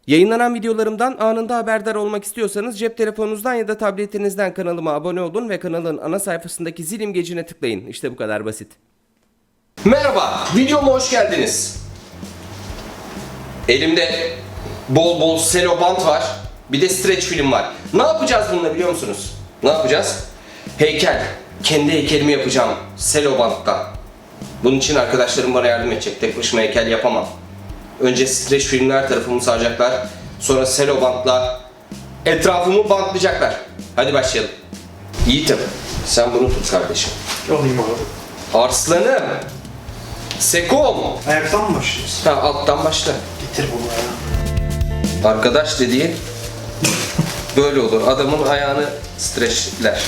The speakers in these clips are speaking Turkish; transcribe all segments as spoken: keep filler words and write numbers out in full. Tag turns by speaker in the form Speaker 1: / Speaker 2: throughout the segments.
Speaker 1: Yayınlanan videolarımdan anında haberdar olmak istiyorsanız cep telefonunuzdan ya da tabletinizden kanalıma abone olun ve kanalın ana sayfasındaki zil imgecine tıklayın. İşte bu kadar basit. Merhaba, videoma hoş geldiniz. Elimde bol bol selo bant var. Bir de streç film var. Ne yapacağız bununla biliyor musunuz? Ne yapacağız? Heykel. Kendi heykelimi yapacağım selo banttan. Bunun için arkadaşlarım bana yardım edecek. Tek başıma heykel yapamam. Önce streç filmler tarafımı saracaklar. Sonra selo bantla etrafımı bantlayacaklar. Hadi başlayalım. Yiğitim, sen bunu tut kardeşim.
Speaker 2: Alayım abi.
Speaker 1: Arslanım. Sekom.
Speaker 2: Ayaktan mı başlıyoruz?
Speaker 1: Ha, alttan başla.
Speaker 2: Getir bunu ya.
Speaker 1: Arkadaş dediğin böyle olur. Adamın ayağını streçler.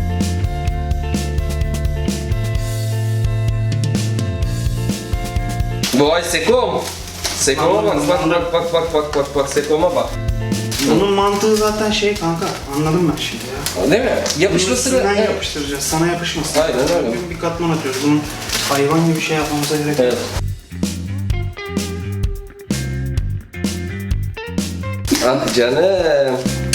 Speaker 1: Vay Sekom. Sekom'a bak, bak bak bak bak bak bak bak Sekom'a bak.
Speaker 2: Onun mantığı zaten şey kanka, anladım ben şimdi ya.
Speaker 1: Değil mi? Yapışmasını
Speaker 2: Bunun üstünden
Speaker 1: evet.
Speaker 2: yapıştıracağız, sana yapışmasın.
Speaker 1: Aynen öyle.
Speaker 2: Bugün bir katman atıyoruz, bunun hayvan gibi bir şey yapmamıza gerek yok.
Speaker 1: Evet. Ah canım.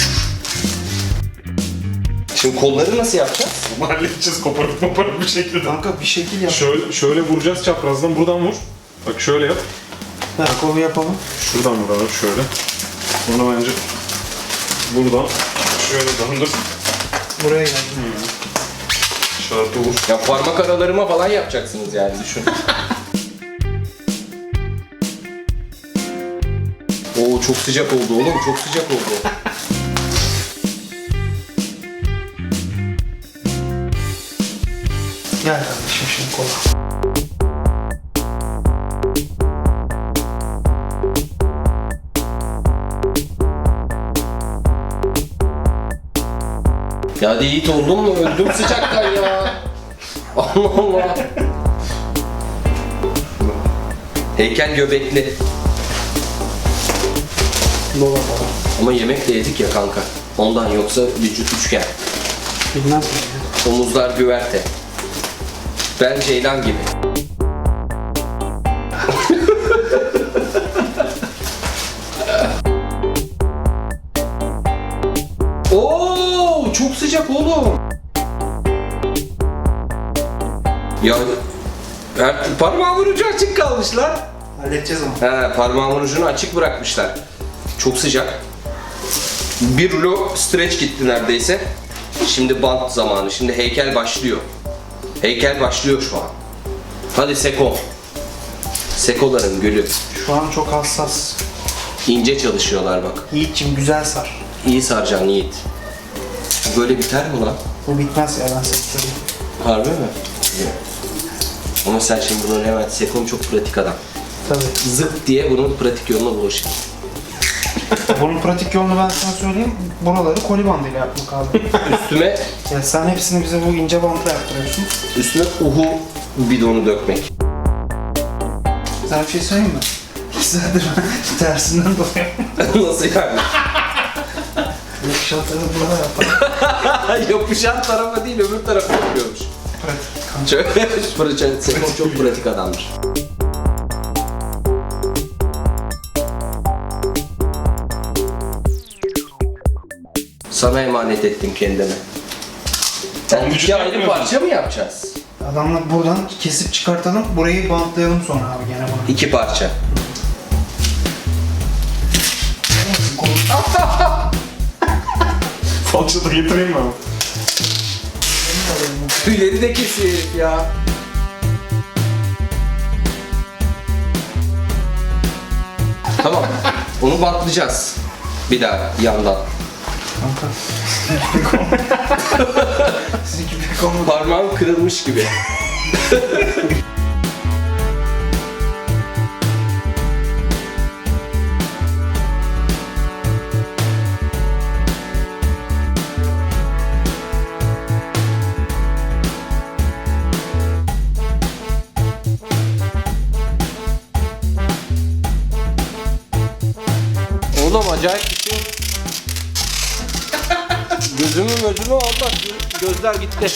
Speaker 1: Şimdi kolları nasıl yapacağız?
Speaker 3: Bunu halledeceğiz koparıp koparıp bir şekilde.
Speaker 2: Kanka bir şekil yap.
Speaker 3: Şöyle, şöyle vuracağız çaprazdan, buradan vur. Bak şöyle yap.
Speaker 2: Ver kolu yapalım.
Speaker 3: Şuradan vur abi şöyle. Sonra bence buradan şöyle döndür.
Speaker 2: Buraya gel.
Speaker 3: Şartı vur.
Speaker 1: Ya parmak aralarıma falan yapacaksınız yani düşün. Oo çok sıcak oldu oğlum, çok sıcak oldu.
Speaker 2: Gel kardeşim şimdi kola.
Speaker 1: Ya hadi Yiğit oldun mu? Öldüm sıcaktan ya. Allah Allah. Heykel göbekli.
Speaker 2: Dola falan.
Speaker 1: Ama yemek de yedik ya kanka. Ondan, yoksa vücut üçgen.
Speaker 2: Bilmez miyim ya?
Speaker 1: Omuzlar güverte. Ben Ceylan gibi. Oo, çok sıcak oğlum. Ya her parmağımın ucu açık kalmış lan.
Speaker 2: Halledeceğiz ama.
Speaker 1: He, parmağımın ucunu açık bırakmışlar. Çok sıcak. Bir rulo streç gitti neredeyse. Şimdi bant zamanı. Şimdi heykel başlıyor. Heykel başlıyor şu an. Hadi Seko. Sekoların gülü.
Speaker 2: Şu an çok hassas.
Speaker 1: İnce çalışıyorlar bak.
Speaker 2: Yiğit'cim güzel sar.
Speaker 1: İyi saracaksın Yiğit. Böyle biter mi lan?
Speaker 2: Bu bitmez ya, ben sana söyleyeyim.
Speaker 1: Harbi mi? Ama sen şimdi bunu hemen, Sekom çok pratik adam.
Speaker 2: Tabii.
Speaker 1: Zıp diye bunun pratik yoluna bulaşır.
Speaker 2: Bunun pratik yolunu ben sana söyleyeyim. Buraları koli bandıyla yapmak abi.
Speaker 1: Üstüme,
Speaker 2: Ya sen hepsini bize bu ince bantla yaptırıyorsun.
Speaker 1: üstüne uhu bidonu dökmek.
Speaker 2: Sana bir şey söyleyeyim mi? Güzeldir, ben tersinden dolayı.
Speaker 1: Nasıl yani?
Speaker 2: Yakışanları burada yapalım.
Speaker 1: Yapışan tarafa değil, öbür tarafa yapıyormuş.
Speaker 2: Pratik kanka.
Speaker 1: Çok pratik, Sekom çok pratik adamdır. Sana emanet ettim kendimi. Sen
Speaker 3: vücut
Speaker 1: iki ayrı
Speaker 3: yapmıyorsun.
Speaker 1: parça mı yapacağız?
Speaker 2: Adamla buradan kesip çıkartalım, burayı bantlayalım sonra abi gene bunu.
Speaker 1: İki parça.
Speaker 3: Falçata getireyim mi abi?
Speaker 1: Tüyleri de kesiyor herif ya. Tamam. Onu bantlayacağız. Bir daha yandan.
Speaker 2: Kanka. Sizinki pek olmadı.
Speaker 1: Parmağım kırılmış gibi. Oğlum acayip bir şey. Gözümü gözümü Allah, gözler gitti.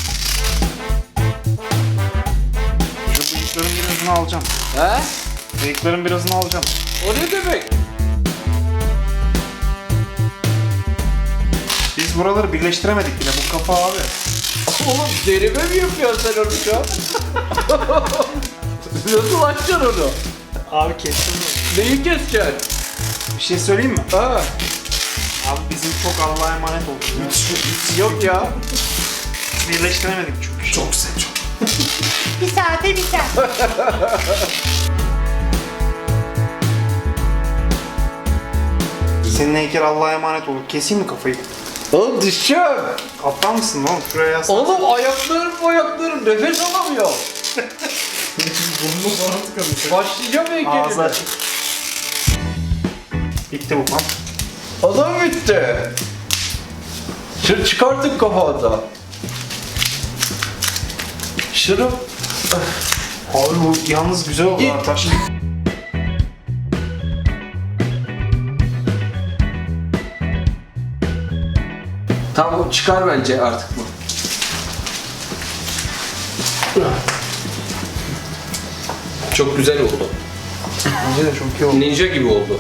Speaker 2: Şu bıyıkların birazını alacağım.
Speaker 1: He?
Speaker 2: Bıyıkların birazını alacağım.
Speaker 1: O ne demek?
Speaker 2: biz buraları birleştiremedik bile. Bu kafa abi.
Speaker 1: Oğlum derime mi yapıyorsun sen onu şu an? Nasıl açacaksın onu?
Speaker 2: Abi kestim mi?
Speaker 1: Neyi keseceksin?
Speaker 2: Bir şey söyleyeyim mi?
Speaker 1: Ha.
Speaker 2: Abi bizim çok Allah'a emanet olduk. ya.
Speaker 1: Yok ya.
Speaker 2: Birleştiremedik çünkü.
Speaker 1: Çok sen çok.
Speaker 4: Bir saate biter.
Speaker 2: Senin heykel Allah'a emanet olduk. Keseyim mi kafayı?
Speaker 1: Oğlum düşeceğim.
Speaker 2: Aptal mısın oğlum? Şuraya yaslan.
Speaker 1: Oğlum ayaklarım ayaklarım nefes alamıyor.
Speaker 3: Burnunu falan tıkamış.
Speaker 1: Başlayacağım
Speaker 2: Ağzı
Speaker 1: heykelime.
Speaker 2: açık. Bitti bu pan.
Speaker 1: Adam bitti. Şunu çıkartın kafadan. Şunu
Speaker 2: Abi bu yalnız güzel oldu
Speaker 1: Git.
Speaker 2: ha taş.
Speaker 1: tamam çıkar bence artık bu. Çok güzel oldu.
Speaker 2: Bence de çok iyi oldu.
Speaker 1: Ninja gibi oldu.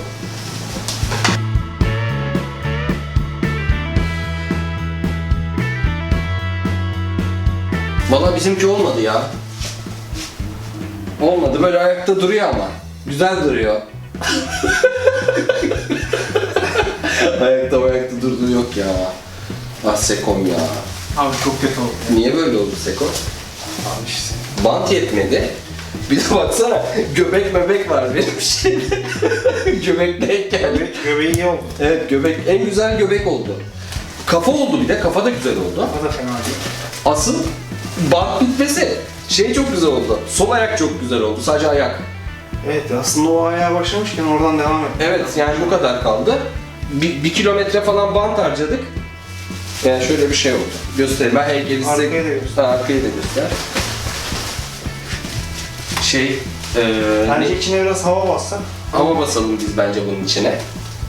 Speaker 1: Valla bizimki olmadı ya. Olmadı böyle ayakta duruyor ama. Güzel duruyor. ayakta ayakta durduğu yok ya. Ah Sekom ya.
Speaker 2: Abi çok kötü oldu.
Speaker 1: Niye böyle oldu Seko?
Speaker 2: Abi işte.
Speaker 1: Bant yetmedi. Bir de baksana göbek mebek var benim şeyde. Göbek denk geldi.
Speaker 2: Göbeği iyi oldu.
Speaker 1: Evet göbek en güzel göbek oldu. Kafa oldu bir de kafa da güzel oldu.
Speaker 2: O da fena değil.
Speaker 1: Asıl bant bitmesi şey çok güzel oldu. Sol ayak çok güzel oldu sadece ayak.
Speaker 2: Evet aslında o ayağa başlamışken oradan devam et.
Speaker 1: Evet yani bu kadar kaldı. Bir, bir kilometre falan bant harcadık. Yani şöyle bir şey oldu. Göstereyim ben heykeli size...
Speaker 2: Arkayı da göster.
Speaker 1: Ha, arkayı da göster. Şey... Eee...
Speaker 2: Bence
Speaker 1: ne-
Speaker 2: içine biraz hava bassak.
Speaker 1: Hava basalım biz bence bunun içine.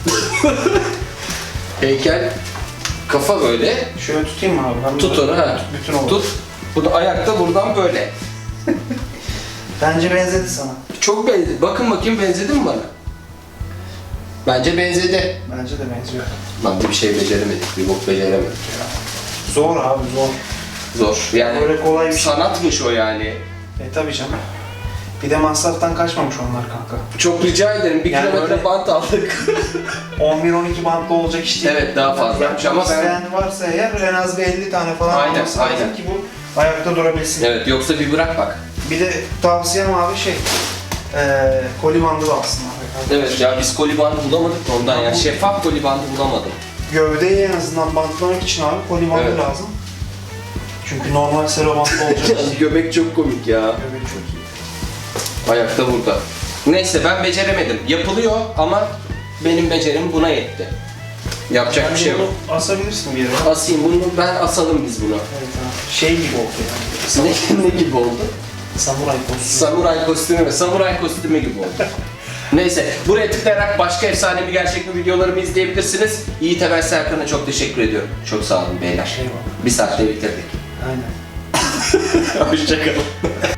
Speaker 1: Heykel kafa böyle.
Speaker 2: Şöyle tutayım mı abi? Ben
Speaker 1: Tut
Speaker 2: bunu-
Speaker 1: onu ha.
Speaker 2: Bütün olur.
Speaker 1: Tut. Bu da ayakta buradan böyle.
Speaker 2: Bence benzedi sana.
Speaker 1: Çok benzedi. Bakın bakayım benzedi mi bana? Bence benzedi.
Speaker 2: Bence de benziyor.
Speaker 1: Lan bir şey beceremedik. Bir bok beceremedik ya.
Speaker 2: Zor abi zor.
Speaker 1: Zor. Yani
Speaker 2: Öyle kolay bir şey.
Speaker 1: sanatmış o yani.
Speaker 2: E tabii canım. Bir de masraftan kaçmamış onlar kanka.
Speaker 1: Çok rica ederim. Bir
Speaker 2: Yani
Speaker 1: kilometre
Speaker 2: öyle-
Speaker 1: bant aldık.
Speaker 2: on bir on iki bantlı olacak iş değil.
Speaker 1: Evet, daha fazla.
Speaker 2: Yani
Speaker 1: Ama ben-
Speaker 2: isteyen varsa eğer en az bir elli tane falan
Speaker 1: Aynen,
Speaker 2: alması lazım
Speaker 1: aynen.
Speaker 2: ki bu ayakta durabilsin.
Speaker 1: Evet yoksa bir bırak bak.
Speaker 2: Bir de tavsiyem abi şey, eee koli bandı da alsınlar.
Speaker 1: Evet ya biz koli bandı bulamadık da ondan ya. Şeffaf koli bandı bulamadım.
Speaker 2: Gövdeyi en azından bantlamak için abi koli bandı
Speaker 1: Evet.
Speaker 2: lazım. Çünkü normal sero bantlı olacak.
Speaker 1: Göbek çok komik ya.
Speaker 2: Göbek çok iyi.
Speaker 1: Ayakta burada. Neyse ben beceremedim. Yapılıyor ama benim becerim buna yetti. Yapacak bir
Speaker 2: Bence
Speaker 1: şey yok.
Speaker 2: bunu asabilirsin bir yere.
Speaker 1: Asayım bunu, ben asalım biz bunu.
Speaker 2: Evet abi. Şey gibi oldu yani.
Speaker 1: Ne, ne gibi oldu?
Speaker 2: Samuray kostümü.
Speaker 1: Samuray kostümü ve samuray kostümü gibi oldu. Neyse, buraya tıklayarak başka efsane bir gerçek mi videolarımı izleyebilirsiniz. Yiğit Emel Serkan'a çok teşekkür ediyorum. Çok sağ olun beyler.
Speaker 2: Eyvallah.
Speaker 1: Bir saatte bitirdik.
Speaker 2: Aynen.
Speaker 1: Hoşçakalın.